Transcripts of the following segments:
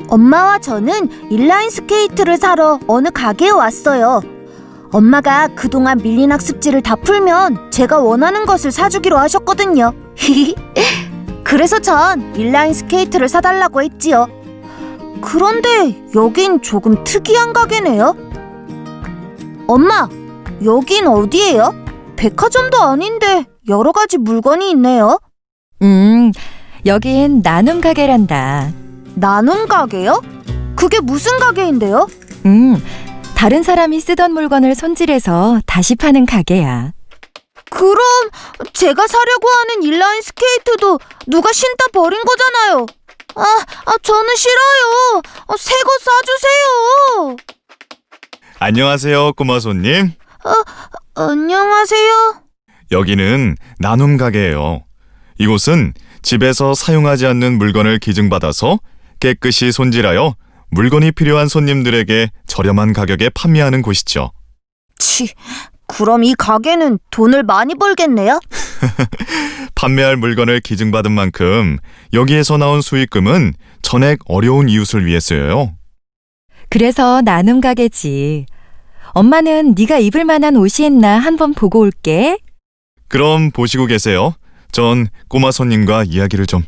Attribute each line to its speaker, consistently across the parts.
Speaker 1: 엄마와 저는 인라인 스케이트를 사러 어느 가게에 왔어요. 엄마가 그동안 밀린 학습지를 다 풀면 제가 원하는 것을 사주기로 하셨거든요. 그래서 전 인라인 스케이트를 사달라고 했지요. 그런데 여긴 조금 특이한 가게네요. 엄마, 여긴 어디예요? 백화점도 아닌데 여러 가지 물건이 있네요.
Speaker 2: 여긴 나눔 가게란다.
Speaker 1: 나눔 가게요? 그게 무슨 가게인데요?
Speaker 2: 다른 사람이 쓰던 물건을 손질해서 다시 파는 가게야.
Speaker 1: 그럼 제가 사려고 하는 인라인 스케이트도 누가 신다 버린 거잖아요. 저는 싫어요. 새 거 사주세요.
Speaker 3: 안녕하세요, 꼬마 손님.
Speaker 1: 안녕하세요.
Speaker 3: 여기는 나눔 가게예요. 이곳은 집에서 사용하지 않는 물건을 기증받아서 깨끗이 손질하여 물건이 필요한 손님들에게 저렴한 가격에 판매하는 곳이죠.
Speaker 1: 그럼 이 가게는 돈을 많이 벌겠네요?
Speaker 3: 판매할 물건을 기증받은 만큼 여기에서 나온 수익금은 전액 어려운 이웃을 위해 쓰여요.
Speaker 2: 그래서 나눔 가게지. 엄마는 네가 입을 만한 옷이 있나 한번 보고 올게.
Speaker 3: 그럼 보시고 계세요. 전 꼬마 손님과 이야기를 좀.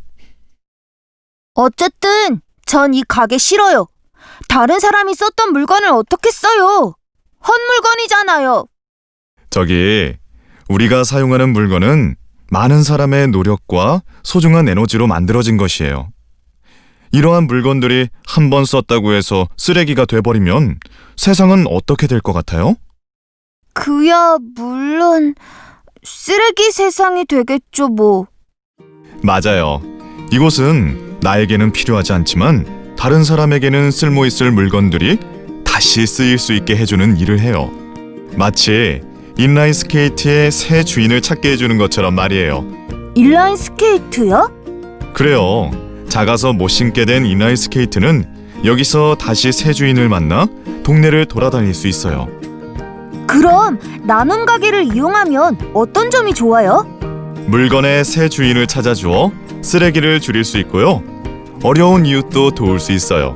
Speaker 1: 어쨌든 전 이 가게 싫어요. 다른 사람이 썼던 물건을 어떻게 써요? 헛물건이잖아요.
Speaker 3: 저기, 우리가 사용하는 물건은 많은 사람의 노력과 소중한 에너지로 만들어진 것이에요. 이러한 물건들이 한 번 썼다고 해서 쓰레기가 돼버리면 세상은 어떻게 될 것 같아요?
Speaker 1: 그야 물론 쓰레기 세상이 되겠죠 뭐.
Speaker 3: 맞아요. 이곳은 나에게는 필요하지 않지만 다른 사람에게는 쓸모있을 물건들이 다시 쓰일 수 있게 해주는 일을 해요. 마치 인라인 스케이트의 새 주인을 찾게 해주는 것처럼 말이에요.
Speaker 1: 인라인 스케이트요?
Speaker 3: 그래요. 작아서 못 신게 된 인라인 스케이트는 여기서 다시 새 주인을 만나 동네를 돌아다닐 수 있어요.
Speaker 1: 그럼 나눔 가게를 이용하면 어떤 점이 좋아요?
Speaker 3: 물건의 새 주인을 찾아주어 쓰레기를 줄일 수 있고요. 어려운 이웃도 도울 수 있어요.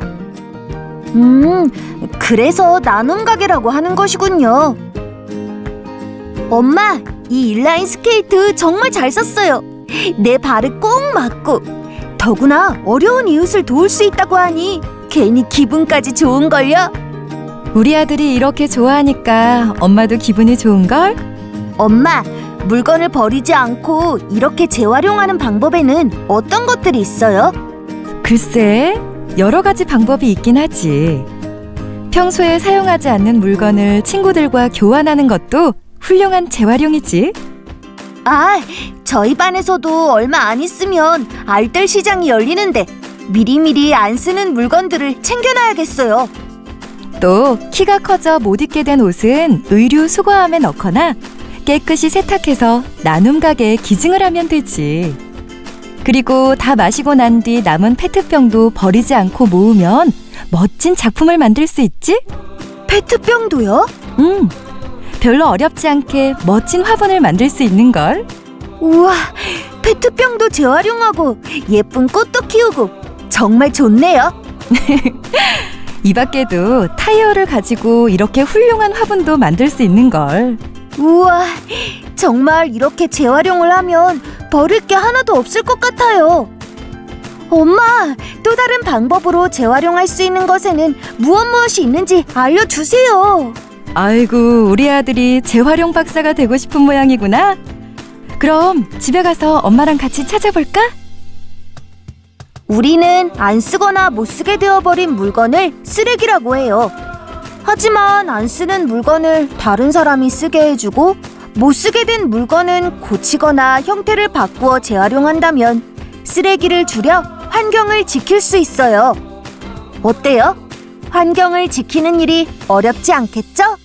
Speaker 1: 그래서 나눔 가게라고 하는 것이군요. 엄마, 이 인라인 스케이트 정말 잘 썼어요. 내 발을 꼭 맞고, 더구나 어려운 이웃을 도울 수 있다고 하니 괜히 기분까지 좋은걸요?
Speaker 2: 우리 아들이 이렇게 좋아하니까 엄마도 기분이 좋은걸?
Speaker 1: 엄마, 물건을 버리지 않고 이렇게 재활용하는 방법에는 어떤 것들이 있어요?
Speaker 2: 글쎄, 여러 가지 방법이 있긴 하지. 평소에 사용하지 않는 물건을 친구들과 교환하는 것도 훌륭한 재활용이지.
Speaker 1: 저희 반에서도 얼마 안 있으면 알뜰 시장이 열리는데 미리미리 안 쓰는 물건들을 챙겨놔야겠어요.
Speaker 2: 또 키가 커져 못 입게 된 옷은 의류 수거함에 넣거나 깨끗이 세탁해서 나눔 가게에 기증을 하면 되지. 그리고 다 마시고 난 뒤 남은 페트병도 버리지 않고 모으면 멋진 작품을 만들 수 있지?
Speaker 1: 페트병도요?
Speaker 2: 별로 어렵지 않게 멋진 화분을 만들 수 있는걸.
Speaker 1: 우와, 페트병도 재활용하고 예쁜 꽃도 키우고 정말 좋네요.
Speaker 2: 이 밖에도 타이어를 가지고 이렇게 훌륭한 화분도 만들 수 있는걸.
Speaker 1: 우와, 정말 이렇게 재활용을 하면 버릴 게 하나도 없을 것 같아요. 엄마, 또 다른 방법으로 재활용할 수 있는 것에는 무엇이 있는지 알려주세요.
Speaker 2: 아이고, 우리 아들이 재활용 박사가 되고 싶은 모양이구나. 그럼 집에 가서 엄마랑 같이 찾아볼까?
Speaker 1: 우리는 안 쓰거나 못 쓰게 되어버린 물건을 쓰레기라고 해요. 하지만 안 쓰는 물건을 다른 사람이 쓰게 해주고 못 쓰게 된 물건은 고치거나 형태를 바꾸어 재활용한다면 쓰레기를 줄여 환경을 지킬 수 있어요. 어때요? 환경을 지키는 일이 어렵지 않겠죠?